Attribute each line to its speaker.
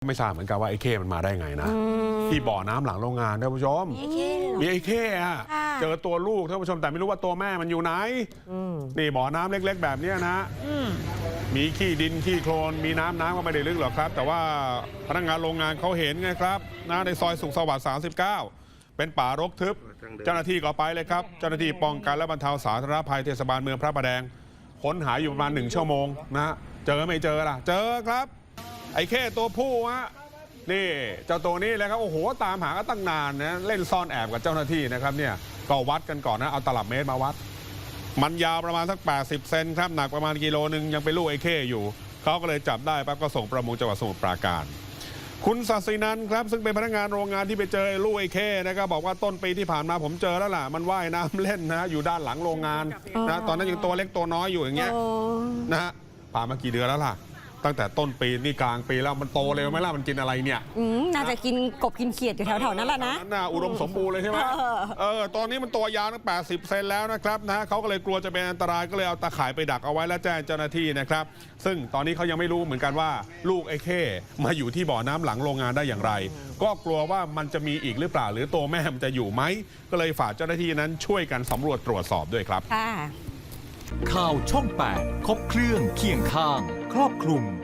Speaker 1: ไม่ทราบเหมือนกันว่าไอ้เข้มันมาได้ไงนะที่บ่อน้ำหลังโรงงานท่านผู้ชมมีไอ้เข้อะเจอตัวลูกท่านผู้ชมแต่ไม่รู้ว่าตัวแม่มันอยู่ไหนนี่บ่อน้ำเล็กๆแบบนี้นะมีขี้ดินขี้โคลนมีน้ำก็ไม่ได้ลึกหรอกครับแต่ว่าพนักงานโรงงานเขาเห็นไงครับนะในซอยสุขสวัสดิ์39เป็นป่ารกทึบเจ้าหน้าที่ก็ไปเลยครับเจ้าหน้าที่ป้องกันและบรรเทาสาธารณภัยเทศบาลเมืองพระประแดงค้นหาอยู่ประมาณ1 ชั่วโมงนะเจอไม่เจอล่ะเจอครับไอ้เข้ตัวผู้ฮะนี่เจ้าตัวนี้เลยครับโอ้โหตามหาก็ตั้งนานนะเล่นซ่อนแอบกับเจ้าหน้าที่นะครับเนี่ยก็วัดกันก่อนนะเอาตลับเมตรมาวัดมันยาวประมาณสัก80 เซนครับหนักประมาณกิโลนึงยังเป็นลูกไอ้เข้อยู่เขาก็เลยจับได้ปั๊บก็ส่งประมงจังหวัดสมุทรปราการคุณศศินันท์ครับซึ่งเป็นพนักงานโรงงานที่ไปเจอลูกไอ้เข้นะครับบอกว่าต้นปีที่ผ่านมาผมเจอแล้วล่ะมันว่ายน้ำเล่นนะอยู่ด้านหลังโรงงานนะตอนนั้นยังตัวเล็กตัวน้อยอยู่อย่างเงี้ยนะฮะผ่านมากี่เดือนแล้วล่ะตั้งแต่ต้นปีนี่กลางปีแล้วมันโตเร็วไหมล่ะมันกินอะไรเนี่ย
Speaker 2: น่าจะกินกบกินเขียดอยู่แถวๆนั้นแหละนะ
Speaker 1: น่าอุดมสมบูรณ์เลยใช่ไหมตอนนี้มันตัวยาวตั้ง80 เซนแล้วนะครับนะเขาก็เลยกลัวจะเป็นอันตรายก็เลยเอาตาข่ายไปดักเอาไว้แล้วแจ้งเจ้าหน้าที่นะครับซึ่งตอนนี้เขายังไม่รู้เหมือนกันว่าลูกไอ้เข้มาอยู่ที่บ่อน้ำหลังโรงงานได้อย่างไรก็กลัวว่ามันจะมีอีกหรือเปล่าหรือตัวแม่มันจะอยู่ไหมก็เลยฝากเจ้าหน้าที่นั้นช่วยกันสำรวจตรวจสอบด้วยครับ
Speaker 3: ข่าวช่อง 8 ครบเครื่องเคียงข้างครอบคลุม